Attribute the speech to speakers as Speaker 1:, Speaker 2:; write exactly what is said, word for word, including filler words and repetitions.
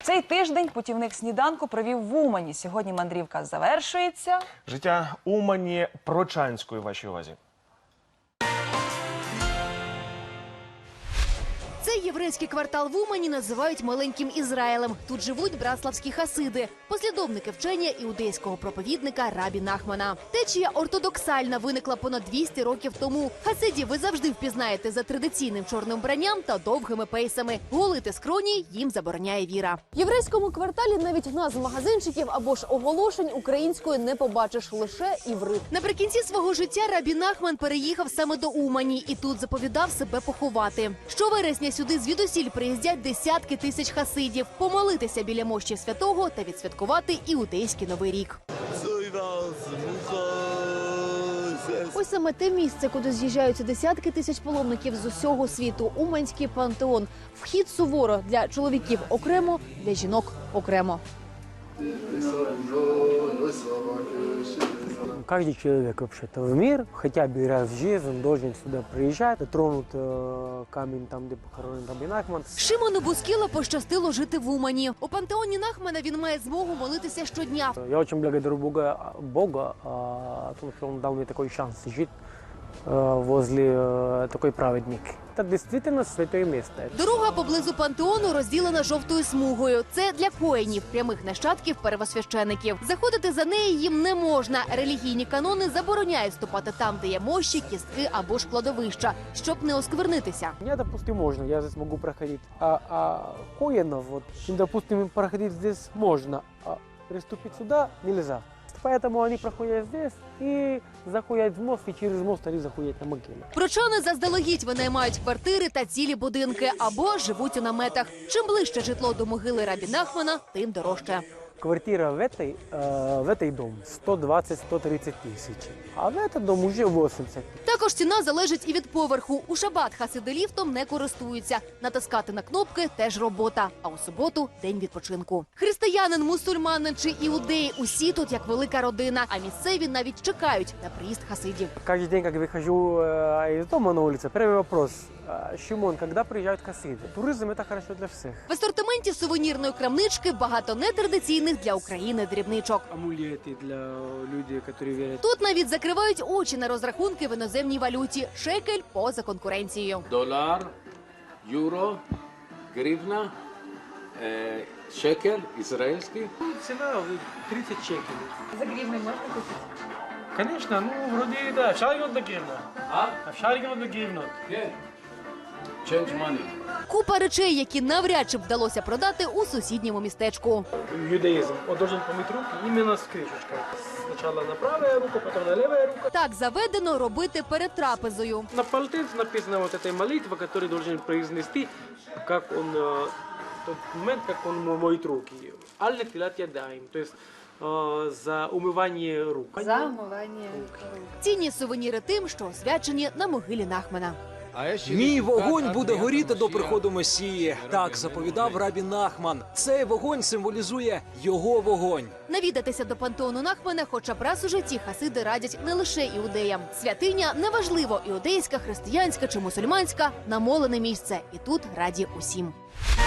Speaker 1: Цей тиждень путівник сніданку провів в Умані. Сьогодні мандрівка завершується.
Speaker 2: Життя Умані Прочанської вашій увазі.
Speaker 3: Цей єврейський квартал в Умані називають маленьким Ізраїлем. Тут живуть братславські хасиди, послідовники вчення іудейського проповідника Рабі Нахмана. Течія ортодоксальна виникла понад двісті років тому. Хасидів ви завжди впізнаєте за традиційним чорним вбранням та довгими пейсами. Голити скроні їм забороняє віра. В єврейському кварталі навіть назв магазинчиків або ж оголошень українською не побачиш, лише іврит. Наприкінці свого життя Рабі Нахман переїхав саме до Умані і тут заповідав себе поховати. Щовересня сюди звідусіль приїздять десятки тисяч хасидів помолитися біля мощі святого та відсвяткувати іудейський новий рік. Ось саме те місце, куди з'їжджаються десятки тисяч паломників з усього світу – Уманський пантеон. Вхід суворо, для чоловіків окремо, для жінок окремо.
Speaker 4: Каждый человек вообще-то в мир хотя бы раз в жизни он должен сюда приезжать, тронут э, камень там, где похоронен Рабі Нахман.
Speaker 3: Шимону Бускіла пощастило жити в Умані. У пантеоні Нахмана він має змогу молитися щодня.
Speaker 4: Я очень благодарю Бога, Бога а, о том, что он дал мне такой шанс жить э, возле э, такой праведники. Это действительно святое место.
Speaker 3: Дорога поблизу пантеону розділена жовтою смугою. Це для коїнів, прямих нащадків первосвящеників. Заходити за неї їм не можна. Релігійні канони забороняють ступати там, де є мощі, кістки або ж кладовища, щоб не осквернитися.
Speaker 4: Мне, допустим, можно, я здесь могу проходить. А, а коинов, вот, им, допустим, проходить здесь можно, а приступить сюда нельзя. Поэтому они проходят здесь и заходят в мост, и через мост они заходят на могилу.
Speaker 3: Прочани заздалегідь винаймають квартири та цілі будинки або живуть у наметах. Чим ближче житло до могили Рабі Нахмана, тим дорожче.
Speaker 4: Квартира в этой, э, в этой дом сто двадцать - сто тридцать тысяч, а в этот дом уже восемьдесят.
Speaker 3: Також ціна залежить і від поверху. У шабат хасиди ліфтом не користуються. Натискати на кнопки – теж робота. А у суботу – день відпочинку. Християнин, мусульманин чи іудеї – усі тут як велика родина. А місцеві навіть чекають на приїзд хасидів.
Speaker 4: Каждый день, как выхожу э, из дома на улицу, первый вопрос. Шимон, когда приезжают хасиды? Туризм – это хорошо для всех.
Speaker 3: В асортименті сувенірної крамнички багато нетрадиційних для України дрібничок.
Speaker 4: Амулеты для людей, которые верят.
Speaker 3: Тут навіть закривають очі на розрахунки в іноземній валюті. Шекель поза конкуренцією.
Speaker 5: Долар, юро, гривна, е, шекель ізраїльський.
Speaker 4: Цена тридцать шекелей.
Speaker 1: За гривни можна купити?
Speaker 4: Конечно, ну вроде да, в шарике на гривну.
Speaker 5: А?
Speaker 4: А в шарике на гривну.
Speaker 5: Є. Change money.
Speaker 3: Купа речей, які навряд чи б вдалося продати у сусідньому містечку.
Speaker 4: Юдаизм. Он должен помыть руки именно с крышечкой. Сначала на правая рука, потом на левая рука.
Speaker 3: Так заведено робити перед трапезою.
Speaker 4: На полотенце написана вот эта молитва, которую должен произнести, как он, э, в тот момент, как он моет руки. Аль тилат ядаим, то есть э, за умывание рук.
Speaker 1: За умивання.
Speaker 3: Цінні сувеніри тим, що освячені на могилі Нахмана.
Speaker 6: Мій вогонь буде горіти до приходу Месії. Так заповідав Рабі Нахман. Цей вогонь символізує його вогонь.
Speaker 3: Навідатися до пантеону Нахмана хоча б раз у житті хасиди радять не лише іудеям. Святиня, неважливо, іудейська, християнська чи мусульманська, намолене місце. І тут раді усім.